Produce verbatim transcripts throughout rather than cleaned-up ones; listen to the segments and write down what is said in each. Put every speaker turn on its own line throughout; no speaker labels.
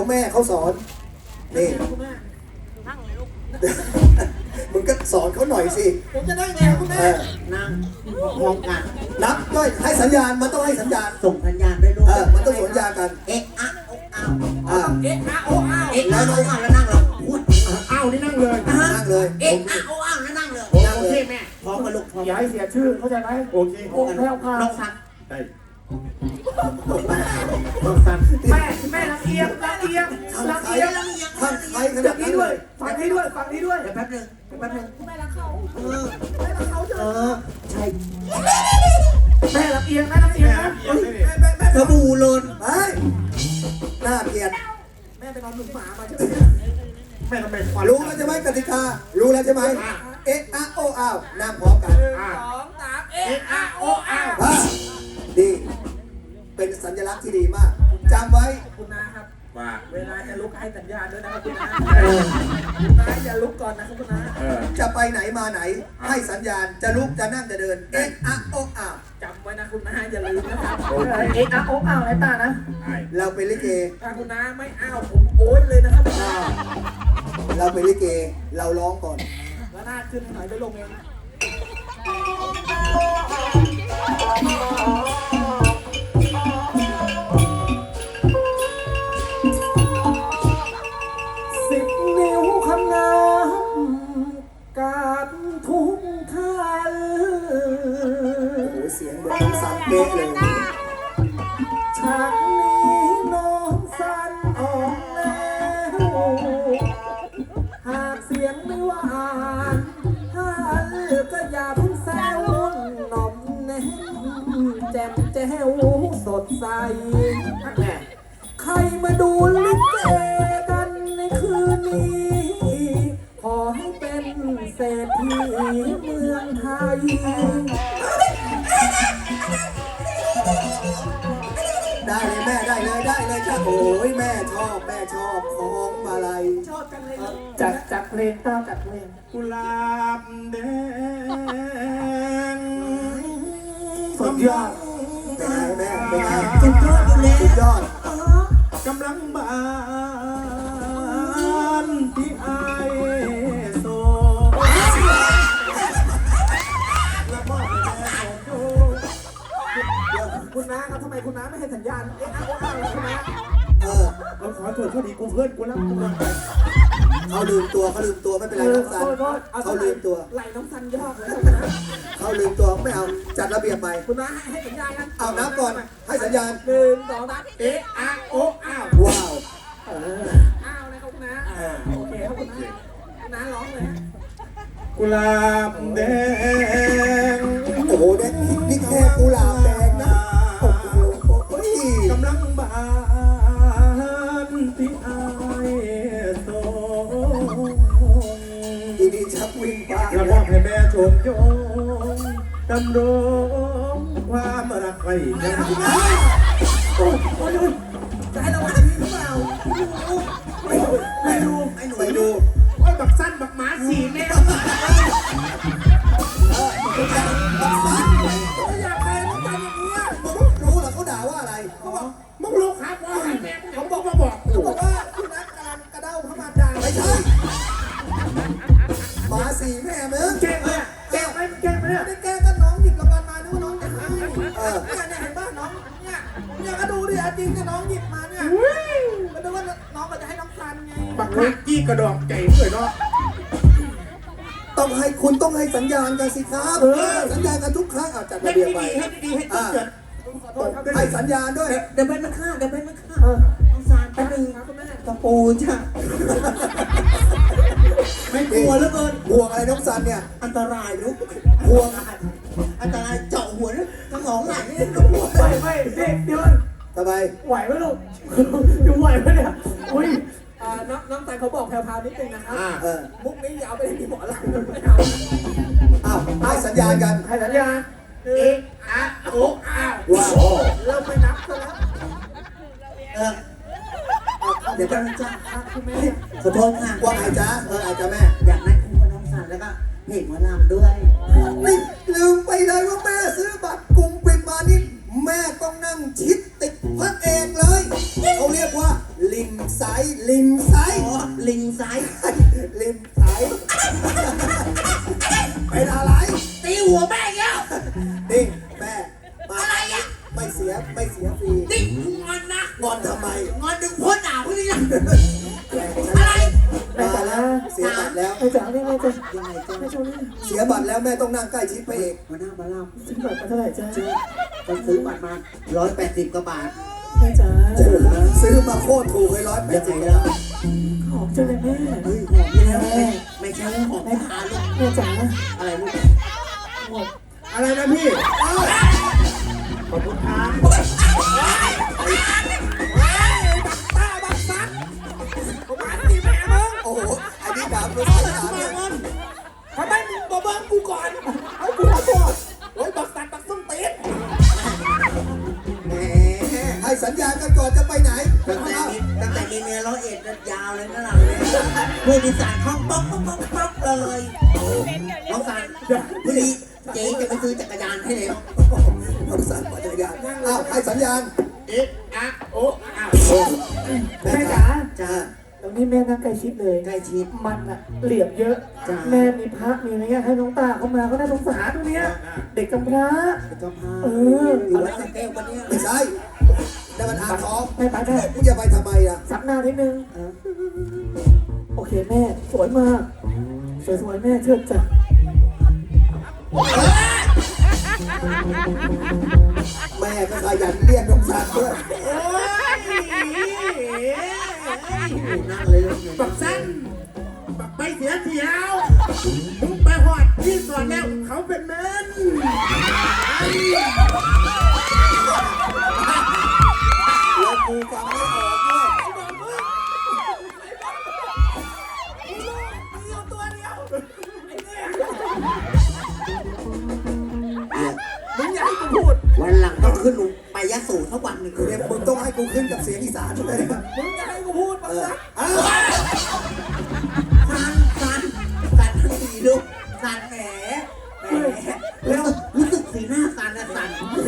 แม่เขาสอนนี่มึงก็สอนเขาหน่อยสิ
ผมจะนั่งไงคุณแม่นั่งพร้อมกัน
นับด้วยให้สัญญาณมันต้องให้สัญญาณ
ส่งสัญญาณด้วยลูก
เออมันต้องสัญญากัน
เอ๊ะอะโอ้อ้าว
เอ๊ะ
อะโอ้อ้าวเอ๊ะอะโอ้อ้าวแล้วนั่งเหรอพูด
อ้าวนี่นั่งเลย
นั่งเลย
เอ๊ะอะโอ้อ้าวแล้วนั่งเลย
นั่งเลย
แม่พร้อมกันลูกพร้อม
อย่าให้เสียชื่อเข้าใจไหมโอเค
โอ้แล้วค่ะน้องสัน
ได้
น้องสัน
แม่แม่ละเอียดละเอียดละเอียด
ทำใครขนาดนี้
ด้วยฟังนี้ด้วยฟังนี้ด้วย
เดี๋ยวแป๊บนึงแป๊บนึง
แม่รักเขา
เออ
แม่รักเขาเถ
เอ
อะ
อใช่
แม่ละเอียดแม่ละเอียดนะ
สบู่โลน
ไปน่าเกลียด
แม่ไปนอนหนุนหมามาใช่ไหม
แม่ทำไมควัน
รู้แล้วใช่ไหมกติการู้แล้วใช่ไหมเอ๊ะอะโออ้าวนั่งพร้อมกัน
สองสามเอ๊ะอะโออ้าว
ดีเป็นสัญลักษณ์ที่ดีมากจำไว้
คุณนาครับ
ว่า
เวลาจะลุกให้สัญญาณด้วยนะครับคุณนาคุณนาอย่าลุกก่อนนะครับคุณนา
จะไปไหนมาไหนให้สัญญาณจะลุกจะนั่งจะเดินเอ๊ะอะโออ้าว
จำไว้นะคุณนาอย่าลืมนะครับ
เอ๊ะอะโอ้อ้าวไอ้ตานะ
เราเป็นลิเก
ถ้าคุณนาไม่อ้าวผมโอ๊ยเลยนะครับคุณนา
เราเป็นลิเกเราร้องก่อน
แล้วหน้าขึ้นหน่อยไปลงเอง
สิบนิ้วคำน้ำกาดทุกท่าน
โอ้โหเสียงเหมือนน้องสันเป๊ะเลย
ฉากนี้น้องสันออกแล้วหากเสียงไม่หวานถ้าก็อย่าเพิ่งแซวหน่อมแน่แจ่มแจ้วสดใสใครมาดูลิเกกันในคืนนี้ขอให้เป็นเศรษฐีเมืองไทย
ได้เลยแม่ได้เลยได้เลยจ้าโอ้ยแม่ชอบแม่ชอบของมาลัย
ชอบกันเลย
จัดจัดเพลงต้าจัดเพลง
กุหลาบแดง
สุดยอด
เป็นไงแม่เป็นไง
สุดยอดอยู่แล้ว
สุดยอด
กำลังบานที่ไอโซแล้วก็แม่ของโย
คุณน้าครับทำไมคุณน้าไม่ให้สัญญาณเอ๊ะอะโออ้าวเลยคุณน้า
เออ
เราขอโทษเขาดีกูเพื่อนกูรักกูรัก
เขาลืมตัวเขาลืมตัวไม่เป็นไรน้องสันเขาลืมตัว
ไหลน้องสันยอกเลยนะ
เขาลืมตัวไม่เอาจัดระเบียบใหม่
คุณน้าให้ให้สัญญาณกัน
เอาน้ำก่อนให้สัญญาณ
หนึ่งสองสามเอ๊ะอะโออ้าว
ว้าว
อ้าวนะครับคุณน้าโอเคครับคุณน้าคุณน้าร้องเลย
กุหลาบแดง
โอ้โหแดงนี่แค่กุหลาบแดงนะโอ้โห
กำลังบานที่ไอโซ
ดีดีชักวิ่งไป
กระบอกให้แม่ชมโยงดำรงความรักไว้ยังดีนะ
โอ้ยจะให้เราอ่านดีหรือเปล่าไม่ดูไม่ดู
ไอ้หนูไปดู
โอ้ยบักสั้นบักหมาสีแม่
อยากใครต้องการอย่างนี้
รู้เหรอเขาด่าว่าอะไร
เขาบอก
มึงรู้ครับว่าแม่ผมบอกมาบอก
เขาบอกว่าคุณนัทกำลังกระเด้าเข้ามาด่า
ไม่ใช่หมาสีแม่มึง
แกล้งเนี่ยแกล้งไหมแกล้งไหมเนี่ย
ไม่ได้แกล้งก็น้องหยิบรางวัลมานึกว่าน้องจะให้เออเนี่ยเนี่ยเห็นป่ะน้องเนี่ยเนี่ยก็ดูดิจริงก็น้องหยิบมาเนี่ยก็นึกว่าน้องก็จะให้น้องซันไง
บักนักกี้กระดองไก่เลยเนาะ
ต้องให้คุณต้องให้สัญญาณกันสิครับสัญญาณกันทุกครั้งเอาจัดระเบียบไป
ให้ดีให้ดีให้
เกิดให้สัญญาณด้วย
เดี๋ยวไปมันฆ่าเดี๋ยวไปมันฆ่าน้องซานแป๊บนึงตะปูจ้ะไม่กลัวแล้วเกิน
ห่วงอะไรน้องซันเนี่ย
อันตรายลูก
ห่วง
อันตรายเจาะหัวนี่สมองไหลนี่หัว
ไม่ไม่เด็กเดี๋ยว
ทำไม
ไหวไหมลูกอยู่ไหวไหมเนี่ยอุ้ย
น้องน้องซันเขาบอกแพรวๆนิดนึงนะครับมุกนี้อย่าเอาไปให้มีหมอลำไม่
เอาอ้าวให้สัญญาณกัน
ให้สัญญาณ
เอ๊ะอะโอ้อ้าว
ว้าว
เราไปนับซะแล้ว
เออเดี๋ยวกันจ้า
คุณแม่
ขอโทษค่ะ
ว่าไงจ๊ะเออไอ้จ๊ะแม่
อยากได้คู่กับน้องสันแล้วก็เพลงหมอลำด้วย
นี่ลืมไปเลยว่าแม่ซื้อบัตรกลุ่มปิดมานี่แม่ต้องนั่งชิดติดพระเอกเลยเขาเรียกว่าลิงไซส์ลิงไซส์
อ๋อลิงไซส์
ลิงไซส์เป็นอะไร
ตีหัวแม่เงี้ย
นี่แม่มา
อะไรอ่ะ
ไม่เสียไม่เสียฟรี
นี่งอนนะ
งอนทำไม
งอนดึงพ้นหนาวพี่นะ
แม่ฉัน
อะไร
มาแล้วเสียบัตรแล้ว
ไอ้จ๋านี่แม่จะ
ยังไงจ๊ะ
แม่ชมนี่
เสียบัตรแล้วแม่ต้องนั่งใกล้ชิดพระเอก
มาหน้ามาเล่า
ซื้อบัตรมาเท่าไหร่จ้า
ก็ซื้อบัตรมาร้อยแปดสิบกว่าบาท
แม่จ๋า
ซื้อมาโคตรถูกเลยร้อยแป
ยั
ด
ง
สิ
ไง
บ
ล่ะ
หอมจังเลยแม่
เฮ้ยหอมนี่แล้วไม่ไม่ใช่หอมทาลูก
แม่จ๋า
อะไรลูก
หอม
อะไรนะพี่อ้าว
ขอบคุณครับ
ป้าบักซักผมมาตีแม่มึง
โอ้โหอันนี้ดาบรู้สึกดาบ
มา
เนี่ย
เงินทำไมมึงบอกเบิ้งกูก่อนเอากูขอโทษโอ้ยบักซักบักส้นตีน
แหม
ให้สัญญากันก่อนจะไปไหน
ตั้งแต่มีตั้งแต่มีเมียร้อยเอ็ดนั่นยาวเลยนะเราเนี่ยพูดอีสานคล่องป๊อกป๊อกป๊อกป๊อกเลยน้องสันพอดีเจ๊จะไปซื้อจักรยานให้แล้ว
น้องสันปัจจัยานอ้าวให้สัญญาณ
เอ๊ะอะโอ้อ้าว
แม่
แม่
จ๋า
จ๋า
จ้า
ตรงนี้แม่นั่งใกล้ชิดเลย
ใกล้ชิด
มันอะเหลี่ยมเยอะ
จ้ะ
แม่มีพระมีอะไรเงี้ยให้น้องตาเข้ามาก็น่าสงสารตัวเนี้ย เด็กกำพร้า
เจ้าพา
เออ
อยู่วัดสระแก้วกันเนี่ย
ไม่ใช่แต่มันอ่างทอง
แม่ไปได้
มึงจะไปทำไมล่ะ
ซับหน้านิดนึง โอเคแม่สวยมาก สวยสวยๆแม่เชิดจ้ะ
แม่ก็ขยันเรียกน้องสันด้วย
โอ้ย
นั่งเลยลูก
บักสั้นบักไปเสียเที่ยวมึงไปหอดที่สอนแล้วเขาเป็นเมน
แล้วกูฟังไม่ออกด้วย
ตัวเดียวไอ้เนี่ย
เนี่ย
มึงอย่าให้กูพูด
วันหลังต้องขึ้นลงไปยะโสสักวันหนึ่ง
เดี๋ยวมึงต้องให้กูขึ้นกับเสียงอีสานด้วยนะ
มึงอย่าให้กูพูดบั
เอก อ
ซัก
อ้าว
สันสันสันทั้งทีลูกสันแหมแหมแล้วรู้สึกสีหน้าสันนะสัน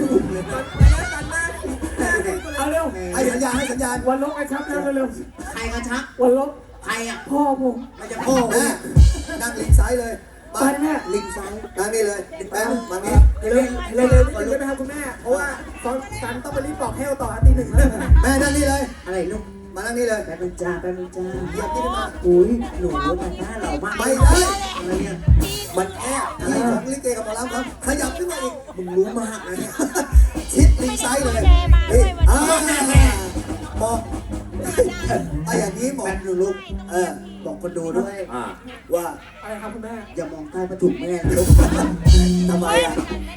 เอาเร็ว
ให้สัญญาณให้สัญญาณ
วันลบไอ้ชับแล้วเร็ว
ใครก็ชัก
ๆวันลบ
ใครอ่ะ
พ่อผม
มันจะพ่อ
แม่นั่งลิงซ้ายเลย
ไป
มา
แม่
ลิงซ้าย
นั่งนี่เลยแม่มานี่
เร็วเร็วเร็วเร็วนะครับคุณแม่ เพราะว่าตอนซันต้องไปรีบบอกแฮวต่อตีหนึ่งแล้ว
แม่นั่งนี่เลย
อะไรลูก
มานั่งนี่เลย
แป๊บนึงจ้าแป๊บนึงจ้า
เหยียบนี่มา
อุ้ยหนูมันหน้าเหล่ามาก
ไม่ได้
อะไรเนี่ย
มันแอบอะไรของลิเกกับหมอลำครับขยับขึ้นมาอีก
มึงรู้มากนะเนี่ย
ชิดลิงซ้ายเลยนี่อ่าหมอไอ้อย่างนี้หมอ
แป๊บนึงลูก
เออ
บอกคนดูด้วย
ว่า
อะไรครับคุณแม่
อย่ามองใต้ผ้าถุงแม่นะลูก
ทำไมอ่ะ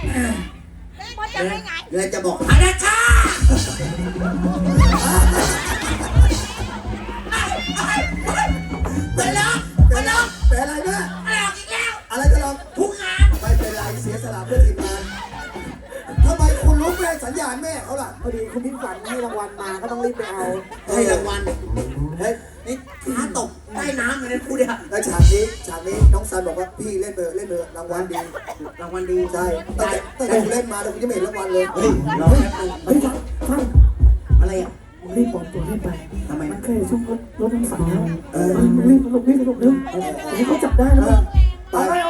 แล้วจะบอกฮานาชาไปแล้วไปแล้ว
เป็นอะไรแม่
อะไรออกอีกแล้ว
อะไรก็ลอง
ทุกงาน
ไม่เป็นไรเสียสละเพื่อทีมงานทำไมคุณรู้แม่สัญญาณแม่เขาล่ะ
พอดีคุณพี่ฝันให้รางวัลมาก็ต้องรีบไปเอา
ให้รางวัล
เฮ้ย
นี่ท้าตกใต้น้ำเลยนะพูดเนี่ย
แล้วฉากนี้ฉากนี้น้องซันบอกว่าพี่เล่นเบอร์เล่นเบอร์รางวัลดี
รางวัลดี
ใช่ตั้งแต่ตั้งแต่กูเล่นมาแล้วกูยังไม่เห็นรางวัลเลย
เฮ้ยรอแป๊บนึง
เฮ้ยฟังฟัง
อะไรอ่ะ
รีบปลอมตัวรีบไป
ทำไม
มันเคยช่วงรถรถน้ำสังแล้วเออมึงรีบลงรีบลงเร็วเดี๋ยวเขาจับได้แล้ว
ไป
เอาไปเอาไป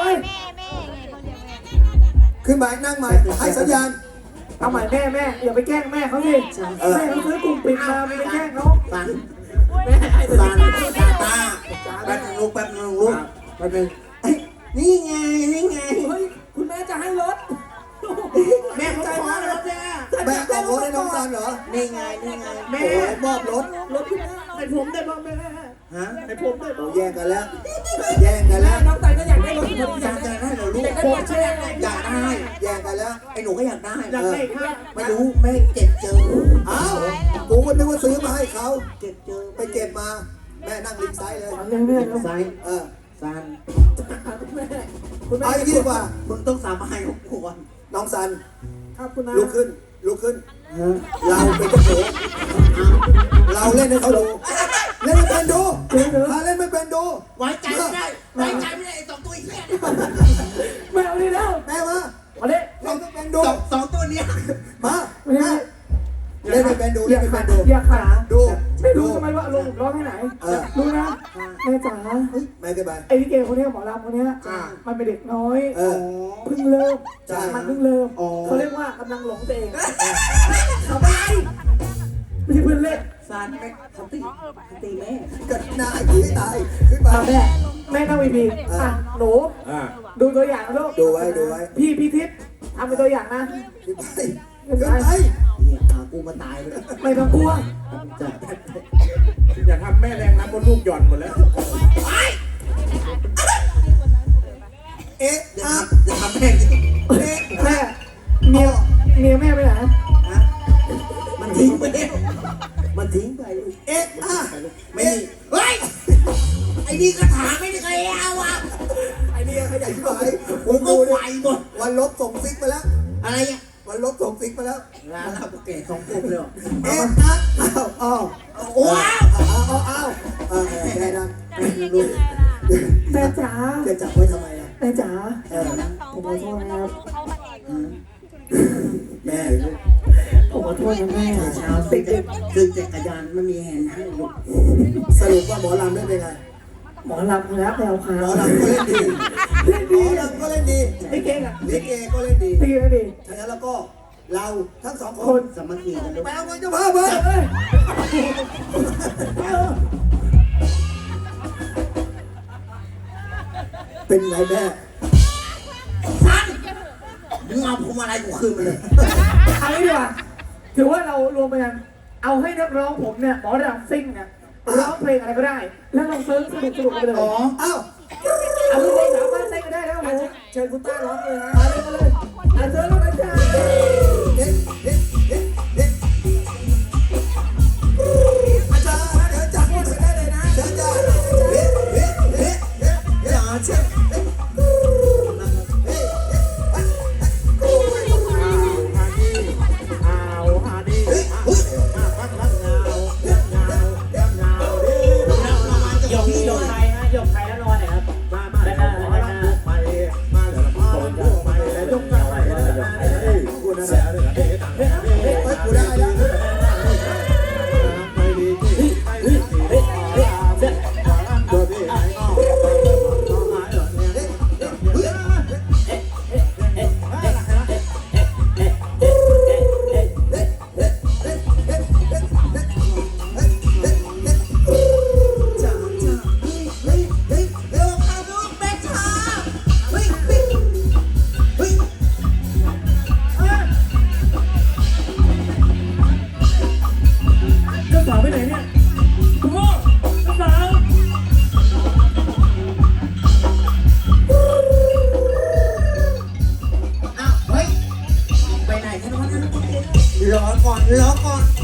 ขึ้นมานั่งใหม่ให้สัญญาณ
เอาใหม่แม่แม่อย่าไปแกล้งแม่เขาดิแม่เขาซื้อกลุ่มปิดมาไม่ไปแกล้งเขา
สันแม่ไอ้สันตาตาแป๊บนึงลูกแป๊บนึงลูกแป๊บนึงเอ้ยนี่ไงนี่ไง
เฮ้ย คุณแม่จะให้รถ
แม่เขาขอรถเนี่ย
แม่ออกรถให้น้องซันเหรอ
นี่ไงนี่ไง
โอ้โหมอบรถ
รถคุณแม่ให้ผมได้บ้างแม่
ฮะ
ให้ผมได้
โอ้
บ้าง
แย่งกันแล้ว แย่งกันแล้ว
น้องไต่ก็อยากได้รถผมอาย
อยาก ก
ได้
ได้เหรอลูก
อยากได้ใช่ไหม
อยากได้
แย่งกันแล้ว
ไอ้หนูก็อยากได้
อยากได้ค่ะ
ไม่รู้แม่เก็บเจอ
เอ้ากูก็นึกว่าซื้อมาให้เขา
เก็บเจอ
ไปเก็บมา แม่นั่งลิงซ้ายเลย
เอาเร็วแม่เร็ว
ซ้าย
เออ
ซัน
คุณแม่คุณแม่
เอาอย่างนี้ดีกว่า
มึงต้องสาบานกับกูก่อน
น้องซัน
ครับคุณน้า
ลุกขึ้น ลุกขึ้น
ฮะ
เราเป็นเจ้าของเราเล่นให้เขาดู เล่นไม่เป็นดูถ้าเล่นไม่เป็นดู
ไว้ใจไม่ได้ไว้ใจไม่ได้ไอ้สองตัวไอ้เหี้ยเนี่ย
แม่เอาดิแล้ว
แม่มา
มาดิ
เล่นไม่เป็นดู
สองสองตัวเนี้ย
มา
ไม่ได้
เล่นไม่เป็นดู
อ
เล่น
ย่า
ไม่
ขา
เป็นดู
อย่าขา
ดู
ไม่รู้ทำไมว่าอารมณ์ผมร้อนแค่ไหน
เออ
รู้นะแม่จ๋า
ไม่ได้ไป
ไอ้ลิเกคนเนี้ยหมอลำคนเนี้ยมันเป็นเด็กน้อย
เออ
เพิ่งเริ่ม
ใช่
มันเพิ่งเริ่ม
อ๋อ
เขาเรียกว่ากำลังหลงตัวเองทำอะไรไม่ใช่เพื่อนเล่น
ซานไม่เขาตีเขาตีแม่
ก็นายที่ตายขึ้นมา
มาแม่แม่นั่งวีพีอ่ะหนู
อ่า
ดูตัวอย่างนะลูก
ดูไว้ดูไว้
พี่พี่ทิพย์ทำเป็นตัวอย่างนะ
ขึ้นไปขึ้นไป
เนี่ยพากูมาตายเลย
ไม่ต้องกลัว
จ้ะ
อย่าทำแม่แรงน้ำบนลูกหย่อนหมดแล้ว
เอ๊ะ
เดี๋ยว
อ่ะ
ทำเดี๋ยวทำแม่ง
เอ๊ะ
แม่เมียเมียแม่ไปไหน
ฮะมันทิ้งไปเนี่ยมันทิ้งไป
เอ๊ะอ่ะ
ไม่มีเฮ้ยไอ้นี่กระถางไม่ได้ใครเอาอ่ะ
ไอ้นี่ขยันที่ไหน
ผมก็ไหวหมด
วันลบส่งซิกไปแล้ว
อะไรอ่ะ
วันลบส่งซิกไปแล้ว
ร้านเราเก๋สองปุ๊บเลยเหรอ
เอ๊ะอ่ะอ้าวอ้าว
ว้าว
อ้าวอ้าวอ้าวเออแม่ดัง
ลูก
แม่จ๋า
จะจับไว้ทำไมล่ะ
แม่จ๋า
เออ
ผมขอโทษนะครับ
แม่
ผมขอโทษนะแม่
เช้าซื้อจักซื้อจักรยานไม่มีแฮนด์ให้ลูก
สรุปว่าหมอลำได้เป็นไง
หมอลำแล้วแปลวขา
หมอ
ว
ลำก็เล่นดีหมอลำก็เล่นดี
ไอ้เก่งอ่ะ
ลิเกก็เล่นดี
ตีกันดิ
ฉะนั้นแล้วก็เราทั้งสองค
คน น
สามัคคีกันลูก
ไปเอาเงินเจ้าภาพมา
เอ้ย
เป็นไงแม่
ซันมึงเอาพวงมาลัยกูคืนมาเลย
เอางี้ดีกว่าถือว่าเรารวมไปกันเอาให้นักร้องผมเนี่ยหมอระดับซิ่งเนี่ยร้องเพลงอะไรก็ได้ แล้วลองเซิร์ฟสนุกสนุกกันไปเลย
อ๋ออ้าว
เอาลูกเพลงสามารถเต้นก็ได้แล้วผม
เชิญคุณต้าร้องเลยนะ
มาเลยมาเลยอ่ะเซิร์ฟแล้วนะจ๊ะ
เด็ดเด็ดเด็ดเด็ดอาจารย์เดี๋ยวจับมือได้เลยนะอาจารย์เด็ดเด็ดเด็ดเด็ดเด็ดอาจารย์เด็ดเด็ดเด็ด
เอาฮาดีเอาฮาดีพักรักเงาเงาเงาดี
หยกหยก
ใครนะหยกใครแล้วนอนเนี่ยครับ
มามาแล้วขอรักลูกไปมาแล้วพาลูกไปแล้วยกกันไปแล้วยกไปเลยกูนะแล้วเฮ้ยต่างเฮ้ย
เฮ้ยกูได้แล้ว
ไม่ดีที่ไม่ดีที่เฮ้ยเฮ้ยเฮ้ยตัวพี่ไอ้งอต้องหายเหรอเนี่ย
จ้าจ้าเฮ้ยเฮ้ยเฮ้ยเร็วเข้าลูกแม่ชาเฮ้ยเฮ้ยเฮ้ย
เจ้าสาวไปไหนเนี่ยคุณพ่อเจ้าสาว
อ้าวเฮ้ยไปไหนกันวะนั่นรอก่อนรอก่อน